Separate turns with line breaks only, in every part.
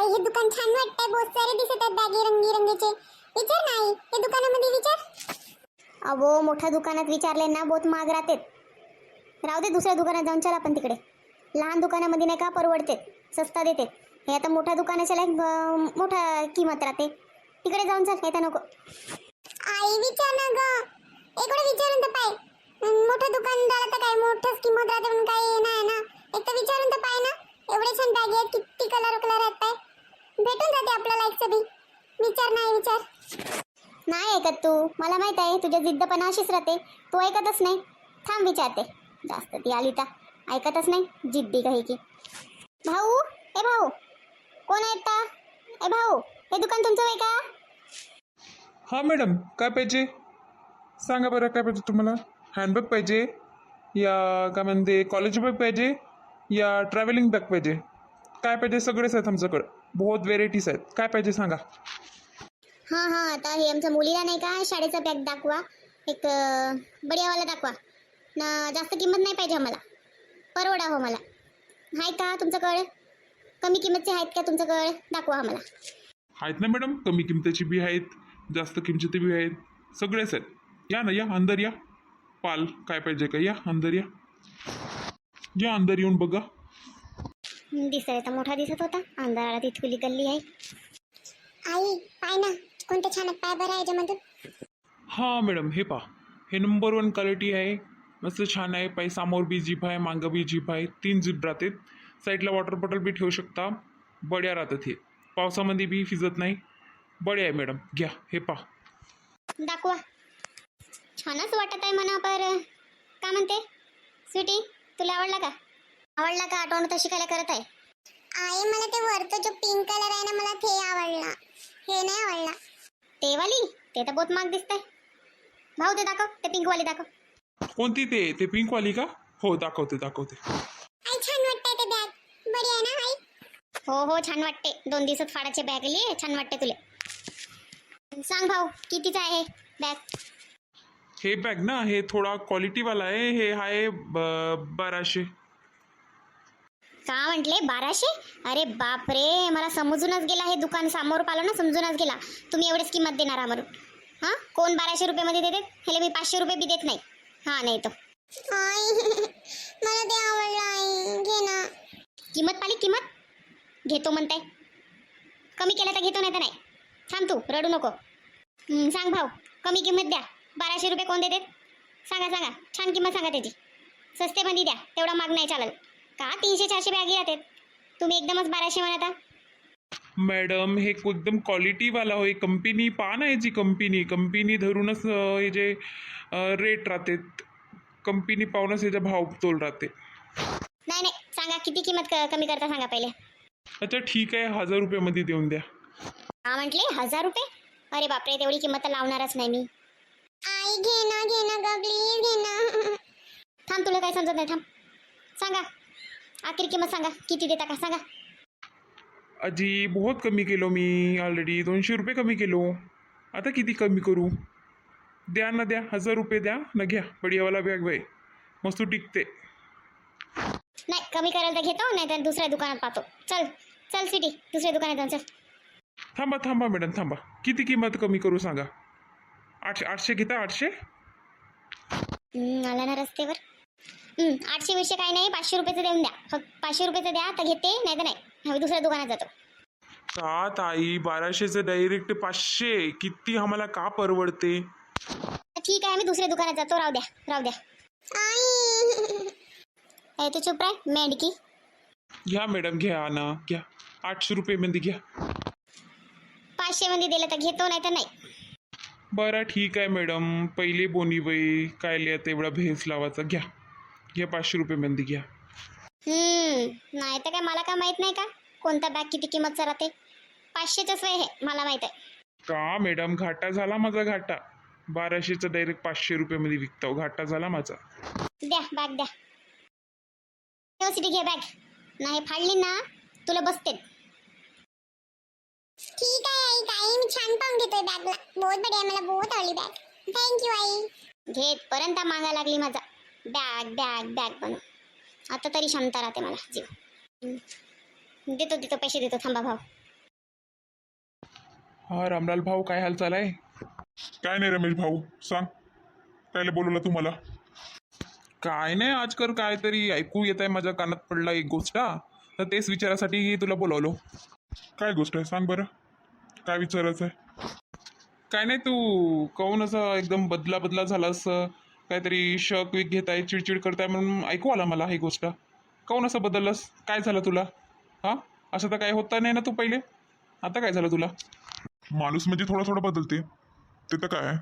आई हे दुकान छान वाटतंय, बहुत सारे दिसत आहेत बॅगे रंगीचे. विचार नाही हे दुकानामध्ये विचार.
अहो मोठ्या दुकानात विचारले ना बहुत महाग राहते. राहू दे दुसऱ्या दुकानात जाऊन चला आपण तिकडे. लहान दुकानामध्ये नाही का परवडते, सस्ता देते. हे आता मोठ्या दुकानाच्या लायक मोठा किंमत राहते. तिकडे जाऊन चल, येता नको.
आई विचार ना ग, इकडे विचारून तर पाय. मोठं दुकानदार तर काय मोठंच किंमत राहते म्हणून काही नाही ना. एक तर विचारून तर पाय ना. एवढे छान बॅग आहेत, किती कलर आहेत पाय. भेटून जाते आपल्याला एक सभी. विचार नाही विचार.
नाही ऐकत तू, मला माहित आहे तुझ्या जिद्दपणा अशीच राहते. तू ऐकतच नाही. थांब विचारते. जास्त ती आली तर ऐकतच नाही, जिद्दी काही की. भाऊ, ए भाऊ, कोण आहेत का? ए भाऊ, हे दुकान तुमचं आहे का?
हां मॅडम, काय पाहिजे सांगा बरं. काय पाहिजे तुम्हाला? हँडबॅग पाहिजे या काय म्हणते कॉलेज बॅग पाहिजे या ट्रॅव्हलिंग बॅग पाहिजे? काय पाहिजे? सगळेच आहेत आमच्याकडं, बहुत व्हेरायटीज आहेत. काय पाहिजे सांगा.
हां हां, आता हे आमच्या मुलीला नाही का शाळेचा बॅग दाखवा. एक बढियावाला दाखवा ना. जास्त किंमत नाही पाहिजे आम्हाला, परवडा हो मला. आहे का तुमच्याकडे? कमी किंमतचे आहेत का तुमच्याकडे? दाखवा आम्हाला.
आहेत ना मॅडम, कमी किमतीची बी आहेत, जास्त किमतीची बी आहेत, सगळेच आहेत. या ना, या अंदर या. पाल काय पाहिजे का? या अंदर या. या अंदर येऊन बघा.
दिसायला तर मोठा दिसत होता, अंधाराला तिथकुली गल्ली आहे.
आई पाय ना कोणते छान आहेत पाय बरं याच्यामधून.
हां मॅडम, हे पहा, हे नंबर 1 क्वालिटी आहे. मस्त छान आहे. पाय समोर बी जीप आहे, मागं बी जीप आहे, 3 जीप राहते. साईडला वॉटर बॉटल बी ठेवू शकता. बड्या राहतात हे, पावसामध्ये बी फिजत नाही. बडे आहे मॅडम, घ्या हे पहा.
दाखवा. छानच वाटत आहे म्हणा. पर काय म्हणते स्वीटी, तुला आवडला का? आवडला का? आठवण तर शिकायला करत आहे.
आई मला ते वरचं जो पिंक कलर आहे ना मला ते आवडला, हे नाही आवडला.
ते वाली? ते तर बहुत महाग दिसतंय. भाऊ ते दाखव, ते पिंक वाली दाखव.
कोणती? ते पिंकवाली का? हो दाखवते.
आई छान वाटतंय ते बॅग, बरी आहे ना आई?
हो हो छान वाटते. 2 दिवसात फाडाचे बॅग लिये, छान वाटते तुले. सांग भाऊ, कितीचा आहे बॅग?
हे बॅग ना, हे थोडा क्वालिटीवाला आहे. हे आहे 1200.
का म्हटले 1200? अरे बाप रे, मला समजूनच गेला. हे दुकान समोर पाहिलं ना, समजूनच गेला तुम्ही एवढेच किंमत देणार आम्हाला. हां, कोण 1200 रुपयामध्ये देते? ह्याला मी 500 रुपये बी देत नाही. हां नाही तो.
आई मला ते आवडलं आई, घे ना.
किंमत पाली, किंमत घेतो म्हणताय. कमी केलं तर घेतो, नाही तर नाही. थांब तू, रडू नको. सांग भाऊ, कमी किंमत द्या. 1200 रुपये कोण देते? सांगा. छान किंमत सांगा त्याची. सस्तेमध्ये द्या, तेवढा माग नाही चालेल का? 300-400 बॅगी राहतात, तुम्ही एकदमच 1200 म्हणता.
मॅडम हे एकदम क्वालिटीवाला होय. कंपनी पहा ना, याची कंपनी धरूनच हे जे रेट राहते, कंपनी पाहूनच याचा भाव तोल राहते.
नाही सांगा, किती किंमत कमी करता सांगा पहिले.
अच्छा ठीक आहे, 1000 रुपयामध्ये देऊन द्या.
का म्हटले 1000 रुपये? अरे बापरे, तेवढी किंमत तर लावणारच नाही मी.
आई घे ना ग प्लीज घे ना.
थांब, तुला काय समजत नाही. थांब, सांगा आखिर किंमत सांगा, किती देता का सांगा.
अजी बहुत कमी केलो मी ऑलरेडी. 200 रुपये कमी केलो. आता किती कमी करू? द्या ना, द्या 1000 रुपये द्या ना. घ्या बढियावाला बॅग बाई, मस्त टिकते.
नाही कमी करायला तर घेतो, नाही तर दुसऱ्या दुकानात पाहतो. चल सिटी, दुसऱ्या दुकानात जाऊन चल.
थांबा मॅडम, थांबा. किती किंमत कमी करू सांगा. 800 घेता? 800
आला ना रस्त्यावर. 800 विषय काही नाही, 500 रुपयाचं देऊन द्या. फक्त 500 रुपयाचं द्या तर घेते, नाही तर नाही. हवी दुसऱ्या दुकानात जातो.
का ताई, 1200चं डायरेक्ट 500 किती आम्हाला का परवडते?
ठीक आहे, मी दुसऱ्या दुकानात जातो. राहू द्या.
आई
तू चुप राह मेंढकी.
घ्या मॅडम, घ्या ना, घ्या. 800 रुपयेमध्ये घ्या.
500 मध्ये दिलं तर घेतो, नाही तर नाही.
बरं ठीक आहे मॅडम, पहिले बोनी बाई काय लिहा एवढा भेस लावायचा. घ्या 500 रुपयेमध्ये घ्या.
नाही तर काय, मला काय माहित नाही का कोणता बॅग किती किंमतचा राहते? 500च वय हे मला माहित आहे.
का मॅडम, घाटा झाला माझा, घाटा. 1200चं डायरेक्ट 500 रुपयामध्ये विकतो, घाटा झाला माझा.
द्या बॅग द्या. सिटी घे बॅग. नाही फाडली ना तुला बसते.
ठीक आहे आई, काही मी छान पाहून घेतोय बॅगला. बहुत बढिया, मला बहुत आवडली बॅग. थँक्यू आई.
घेत पर्यंत मागा लागली माझा बॅग म्हणून. आता तरी शांत राहते मला जीव. देतो पैसे देतो. थांबा भाऊ,
हा रामलाल भाऊ, काय हाल चाल आहे?
काय नाही रमेश भाऊ, सांग. कायले बोलवलं तुम्हाला?
काय नाही, आजकाल काहीतरी ऐकू येत आहे, माझ्या कानात पडला एक गोष्ट, तर तेच विचारासाठी तुला बोलावलो.
काय गोष्ट आहे, सांग बरं. काय विचारायचं आहे?
काय नाही, तू काहून असं एकदम बदला बदला झालास, काहीतरी शक विक घेताय, चिडचिड करताय म्हणून ऐकू आला मला ही गोष्ट. काहून असं बदललास? काय झालं तुला? हां, असं तर काय होता नाही ना तू पहिले, आता काय झालं तुला?
माणूस म्हणजे थोडा थोडा बदलते, ते तर काय आहे.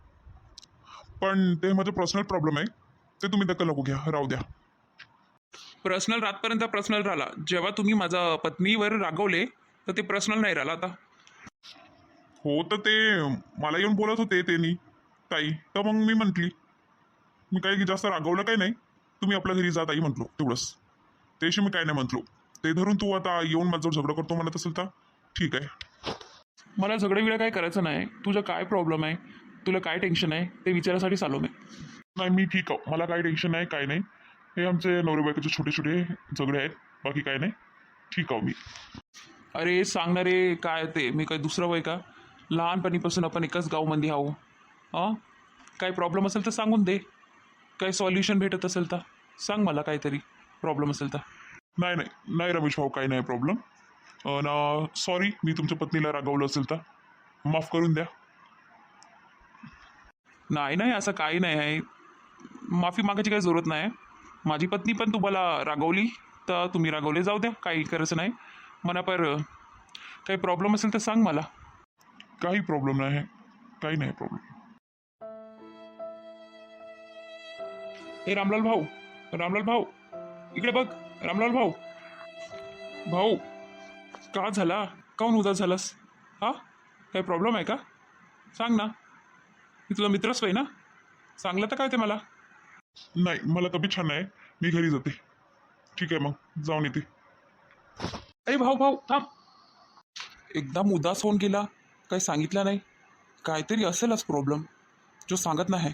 पण ते माझं पर्सनल प्रॉब्लेम आहे, ते तुम्ही दखल नको घ्या, राहू द्या.
पर्सनल रातपर्यंत पर्सनल राहिला, जेव्हा तुम्ही माझ्या पत्नीवर रागवले तर ते पर्सनल नाही राहिलं आता.
हो, तर ते मला येऊन बोलत होते त्यांनी, ताई, तर मग मी म्हटली, मी काही जास्त रागवलं काही नाही, तुम्ही आपल्या घरी जा ताई म्हटलो, तेवढंच. त्याशी मी काय नाही म्हटलो. ते धरून तू आता येऊन माझ्यावर झगडं करतो म्हणत असेल तर ठीक आहे.
मला झगडं काय करायचं नाही. तुझं काय प्रॉब्लेम आहे, तुला काय टेन्शन आहे ते विचारासाठी आलो मी.
नाही, मी ठीक आहो, मला काही टेन्शन नाही, काय नाही. हे आमचे नवरे बायकोचे छोटे छोटे झगडे आहेत, बाकी काय नाही, ठीक आहो मी.
अरे सांगणारे काय ते, मी काय दुसरं वय का? लहानपणीपासून आपण एकाच गावमध्ये आहो. हां, काही प्रॉब्लेम असेल तर सांगून दे, काही सॉल्युशन भेटत असेल तर सांग मला, काहीतरी प्रॉब्लेम असेल तर.
नाही नाही नाही रमेश भाऊ, काही नाही प्रॉब्लेम. ना सॉरी, मी तुमच्या पत्नीला रागवलं असेल तर माफ करून द्या.
नाही नाही, असं काही नाही आहे, माफी मागायची काही जरूरत नाही. माझी पत्नी पण तुम्हाला रागवली तर तुम्ही रागवले, जाऊ द्या, काही करायचं नाही म्हणा. पर काही प्रॉब्लेम असेल तर सांग मला.
काही प्रॉब्लेम नाही आहे, काही नाही प्रॉब्लेम.
ए रामलाल भाऊ, रामलाल भाऊ, इकडे बघ. रामलाल भाऊ, भाऊ, का झाला? काहून उदास झालास? हा, काही प्रॉब्लेम आहे का? सांग ना, मी तुझा मित्रच आहे ना, सांगलं तर काय ते मला.
नाही, मला तब्येत छान आहे, मी घरी जाते. ठीक आहे, मग जाऊन येते.
ए भाऊ भाऊ थांब. एकदम उदास होऊन गेला, काही सांगितलं नाही. काहीतरी असेलच प्रॉब्लेम जो सांगत नाही.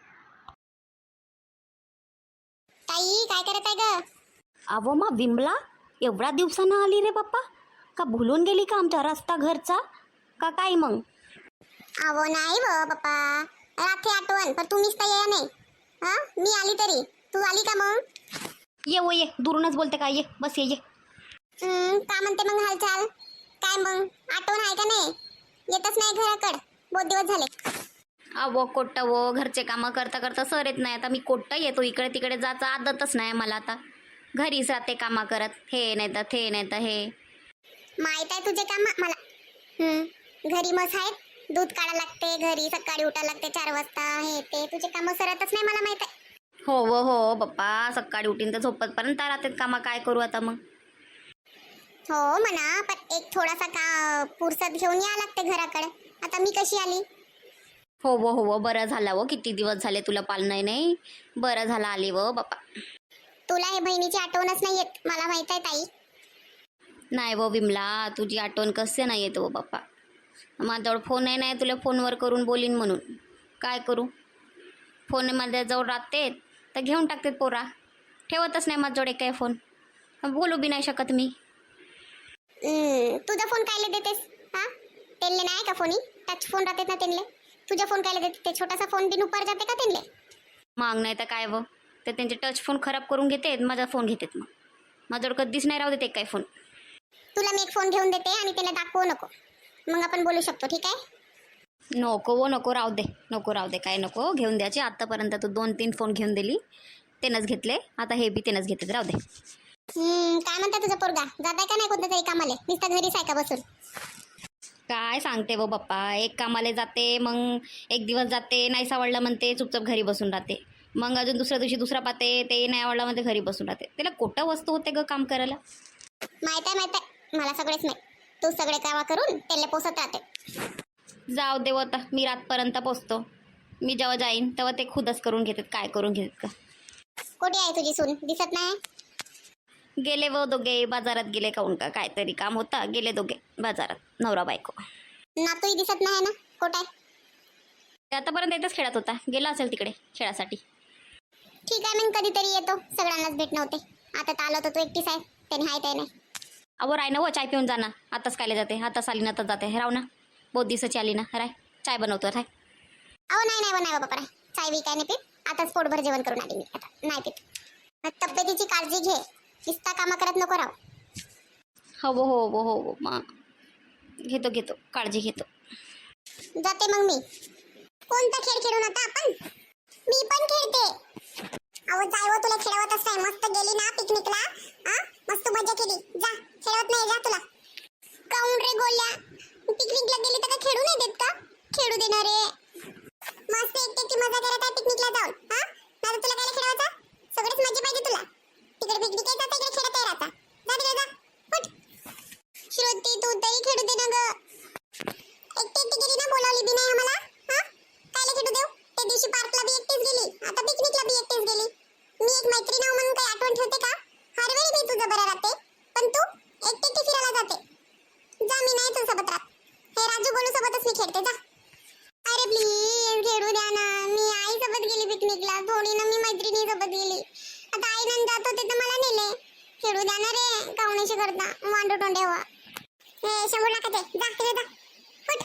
ताई काय करत आहे ग?
अहो मा विमला, एवढ्या दिवसानं आली रे बाप्पा, का भुलून गेली का आमचा रस्ता घरचा का काय मग?
अहो नाही व पप्पा, रात्री आठवण, पण तुम्हीच तर या नाही. हा, मी आली तरी तू आली का मग?
ये वो ये, दुरूनच बोलते का, ये बस ये.
का म्हणते मग हालचाल? काय मग आठवण आहे का नाही? येतच नाही घराकड, बहुत दिवस झाले.
अहो कोट्ट वो, घरचे कामं करता करता सर येत नाही. आता मी कोट्ट येतो, इकडे तिकडे जायचं आदतच नाही मला. आता घरीच राहते कामा करत, हे नाही तर ते नाही तर हे.
माहित आहे तुझे काम मला. घरी मस आहेत, दूध काढा लागते, घरी सकाळी उठा लागते 4 वाजता, हे ते तुझे काम सरतच नाही, मला माहित आहे.
हो बाप्पा, सकाळी उठीन तर झोपतपर्यंत राहते कामा, काय करू आता मग.
हो म्हणा, पण एक थोडासा का पुरसत घेऊन या लागते घराकडे. आता मी कशी आली?
हो बरं झालं वो, किती दिवस झाले तुला पालणं नाही, बरं झालं आली वो बाप्पा.
तुला हे बहिणीची आठवणच नाही येत, मला माहित आहे ताई.
नाही वो विमला, तुझी आठवण कसं नाही येत वो बाप्पा. माझ्याजवळ फोन नाही, तुला फोनवर करून बोलीन म्हणून काय करू. फोन माझ्याजवळ राहते तर घेऊन टाकते पोरा, ठेवतच नाही माझ्याजवळ काय फोन, बोलू बी नाही शकत मी.
तुझा फोन कायले देतेस? हा, त्यांले नाही का फोनी? टच फोन राहतात ना त्यांले, तुझा फोन कायले देते? ते छोटासा फोन बिन उपर जाते का त्यांले?
मग नाही तर काय व, ते त्यांचे टच फोन खराब करून घेते, माझा फोन घेतात. मग माझ्याजवळ कधीच नाही राहू देते काय फोन.
तुला मी एक फोन घेऊन देते आणि त्याला दाखवू नको, मग आपण बोलू शकतो, ठीक आहे?
नको वो, नको राहू दे, काय नको घेऊन द्यायचे. आत्तापर्यंत तू 2-3 फोन घेऊन दिली, त्यानंच घेतले, आता हे बी त्यानंच घेतले, राहू दे.
काय म्हणता तुझा पोरगा? जाताय का नाही कोणत्या तरी कामाले? नुसतं घरीच आहे का बसून?
काय सांगते वो बाप्पा, एक कामाला जाते, मग एक दिवस जाते, नाही सावडलं म्हणते, चुपचाप घरी बसून राहते. मग अजून दुसऱ्या दिवशी दुसरा पाहते, ते नाही आवडला म्हणते, घरी बसून राहते. त्याला कोटा वस्तू होते ग काम करायला.
माहित आहे, मला सगळेच नाही. तू सगळे कामा करून त्याला पोसत राहते.
जाऊ दे आता, मी रातपर्यंत पोचतो. मी जेव्हा जाईन तेव्हा ते खुदच करून घेतात, काय करून घेतात का.
कुठे आहे तुझी सून? दिसत नाही.
गेले वो दोघे बाजारात गेले, काहून का काहीतरी काम होता, गेले दोघे बाजारात, नवरा बायको.
नातूही दिसत नाही ना, कुठे आहे?
आतापर्यंत इथंच खेळत होता, गेला असेल तिकडे खेळासाठी.
ठीक आहे, मग कधीतरी येतो, सगळ्यांनाच भेटणं होते. आता तर आलो तर तू एकटीच आहे, त्याने हाय ते नाही.
अहो राय ना वो, चाय पिऊन जा ना, आताच कायला जाते, आताच आली ना तर जाते, राव ना. बहुत दिवसाची आली ना, राय चाय बनवतो राय.
अहो नाही बाबा, चाय बी काय नाही पीत. आताच पोटभर जेवण करून आली मी. आता नाही पीत. तब्येतीची काळजी घे. नुसता कामा करत नको राहू.
हो मग घेतो काळजी घेतो.
जाते मग मी. कोणता खेळ खेळून आता आपण? मी पण खेळते. अहो जाय हो, तुला खेळवतच नाही. मस्त गेली ना पिकनिकला. मस्त मजा केली. जा, खेळवत नाही जा तुला. काऊन रे गोल्या, पिकनिकला गेली तर काय खेळू नाही देत का? खेळू देणार रे. मस्त एकटी मजा करत आहे पिकनिकला जाऊन. नाही तुला काय खेळवायचं? सगळीच मजा पाहिजे तुला. तिकडे पिकनिक आहे, इकडे खेळत आहे राहता. जा तिकडे जा. फुट. श्रुती तू तरी खेळू दे ना ग. एकटी गेली ना, बोलावली बी नाही आम्हाला. कायला खेळू देऊ? त्या दिवशी पार्कला बी एकटीच गेली, आता पिकनिकला बी एकटीच गेली. मी एक मैत्रीण आहो म्हणून काही आठवण ठेवते का? हर वेळी मी तुझं बरं राहते, पण तू एकटी फिरायला जाते. जा, मी नाही तुझ्यासोबत राहत. हे राजू गोलू सोबतच मी खेळते. जा. अरे प्लीज खेळू द्या ना. मी आई सोबत गेली पिकनिकला, थोडी ना मी मैत्रिणी सोबत गेली. आता आई नंद जात होते तर मला नेले. खेळू द्या ना रे. कावण्याशी करता वांडो टोंडे व्हा. हे 100 लाखाचे. जा तिकडे जा. फुट.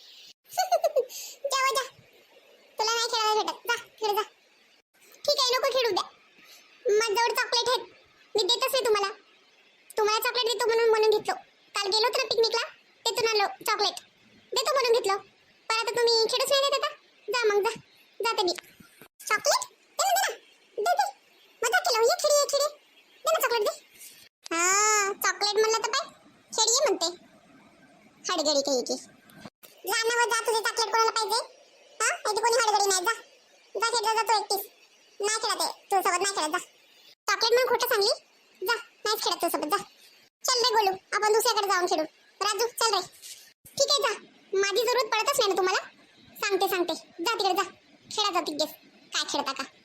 जावा जा. तुला नाही खेळायला भेटत. जा तिकडे जा. ठीक आहे, नको खेळू द्या. माझ्याजवळ चॉकलेट आहेत, मी देतच नाही तुम्हाला. तुम्हाला चॉकलेट देतो म्हणून घेतलो. काल गेलो तर पिकनिकला, तिथून आलो चॉकलेट देतो म्हणून घेतलो. पण आता तुम्ही खेळूच नाही देत. आता जा मग. जा जाते मी. चॉकलेट दे ना, दे. मजा केलं. ये खेळी दे ना चॉकलेट दे. चॉकलेट म्हणलं तर काय खेळी म्हणते. हडगडी काही की जा ना व जा. तुझे चॉकलेट कोणाला पाहिजे? इथे कोणी हडगडी नाही. जा जा खेळत जा तू एकटीच. नाही खेळत आहे तुझ्यासोबत, नाही खेळत. जा. चॉकलेट म्हणून खोटं सांगली. जा, नाहीच खेळत तुझ्यासोबत. जा. चल रे गोलू, आपण दुसऱ्याकडे जाऊन खेळू. राजू चल रे. ठीक आहे जा. माझी जरूरत पडतच नाही ना तुम्हाला. सांगते. जा तिकडे जा. खेळा जा तिकडेच. काय खेळता का?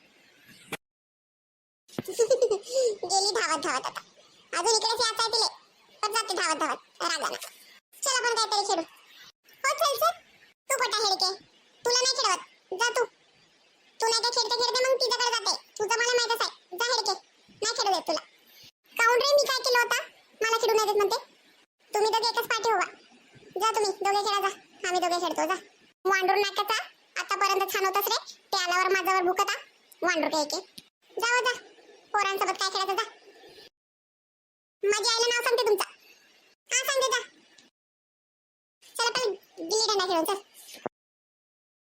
गेली धावत आता. अजून इकडेच यायचं आहे तिले, पण जाते धावत रागाना. चल आपण काहीतरी खेळू. हो चल. तू कोटा हेडके, तुला नाही खेळवत. जा तू नाही का खेळते मग तिच्याकडे जाते. तुझं मला माहितच आहे. जा हेडके, नाही खेळू देत तुला. काऊन रे, मी काय केलं होता? मला खेळू नाही देत म्हणते. तुम्ही दोघे एकच पाठी व्हा. जा तुम्ही दोघे खेळा. जा, आम्ही दोघे खेळतो. जा. वांडूर नाकाचा आतापर्यंत छान होतच रे. ते आल्यावर माझ्यावर भुकता वांडूर काही. जा. पोरांसोबत काय खेळायचं. जा. माझ्या आईला नाव सांगते तुमचं. सांगते जा. चला पहिले गिल्ली डंडा खेळून चल.